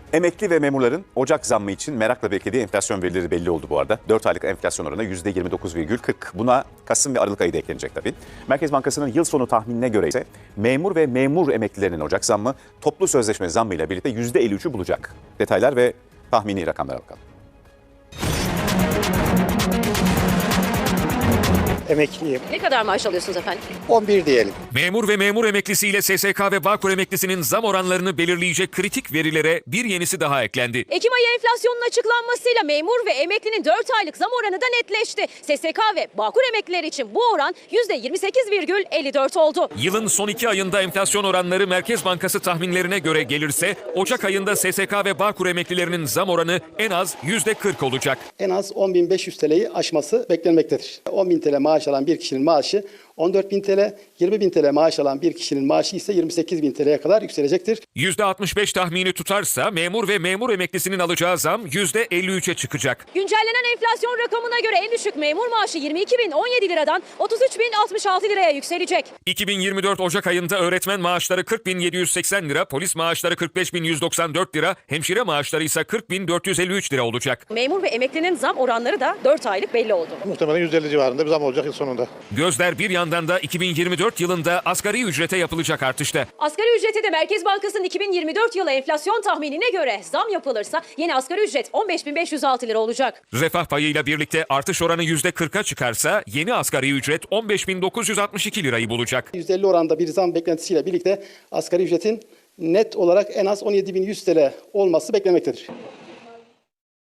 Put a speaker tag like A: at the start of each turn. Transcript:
A: Emekli ve memurların Ocak zammı için merakla beklediği enflasyon verileri belli oldu bu arada. 4 aylık enflasyon oranı %29,40. Buna Kasım ve Aralık ayı da eklenecek tabii. Merkez Bankası'nın yıl sonu tahminine göre ise memur ve memur emeklilerinin Ocak zammı toplu sözleşme zammıyla birlikte %53'ü bulacak. Detaylar ve tahmini rakamlara bakalım.
B: Emekliyim.
C: Ne kadar maaş alıyorsunuz efendim?
B: 11 diyelim.
D: Memur ve memur emeklisiyle SSK ve Bağkur emeklisinin zam oranlarını belirleyecek kritik verilere bir yenisi daha eklendi.
C: Ekim ayı enflasyonun açıklanmasıyla memur ve emeklinin 4 aylık zam oranı da netleşti. SSK ve Bağkur emeklileri için bu oran %28,54 oldu.
D: Yılın son 2 ayında enflasyon oranları Merkez Bankası tahminlerine göre gelirse Ocak ayında SSK ve Bağkur emeklilerinin zam oranı en az %40 olacak.
E: En az 10.500 TL'yi aşması beklenmektedir. 10.000 TL maaş alan bir kişinin maaşı 14.000 TL, 20.000 TL maaş alan bir kişinin maaşı ise 28.000 TL'ye kadar yükselecektir.
D: %65 tahmini tutarsa memur ve memur emeklisinin alacağı zam %53'e çıkacak.
C: Güncellenen enflasyon rakamına göre en düşük memur maaşı 22.017 liradan 33.066 liraya yükselecek.
D: 2024 Ocak ayında öğretmen maaşları 40.780 lira, polis maaşları 45.194 lira, hemşire maaşları ise 40.453 lira olacak.
C: Memur ve emeklinin zam oranları da 4 aylık belli oldu.
F: Muhtemelen 150 civarında bir zam olacak yıl sonunda.
D: Gözler bir yandan da 2024 yılında asgari ücrete yapılacak artışta.
C: Asgari ücrete de Merkez Bankası'nın 2024 yılı enflasyon tahminine göre zam yapılırsa yeni asgari ücret 15.506 lira olacak.
D: Refah payıyla birlikte artış oranı %40'a çıkarsa yeni asgari ücret 15.962 lirayı bulacak.
E: %50 oranda bir zam beklentisiyle birlikte asgari ücretin net olarak en az 17.100 TL olması beklenmektedir.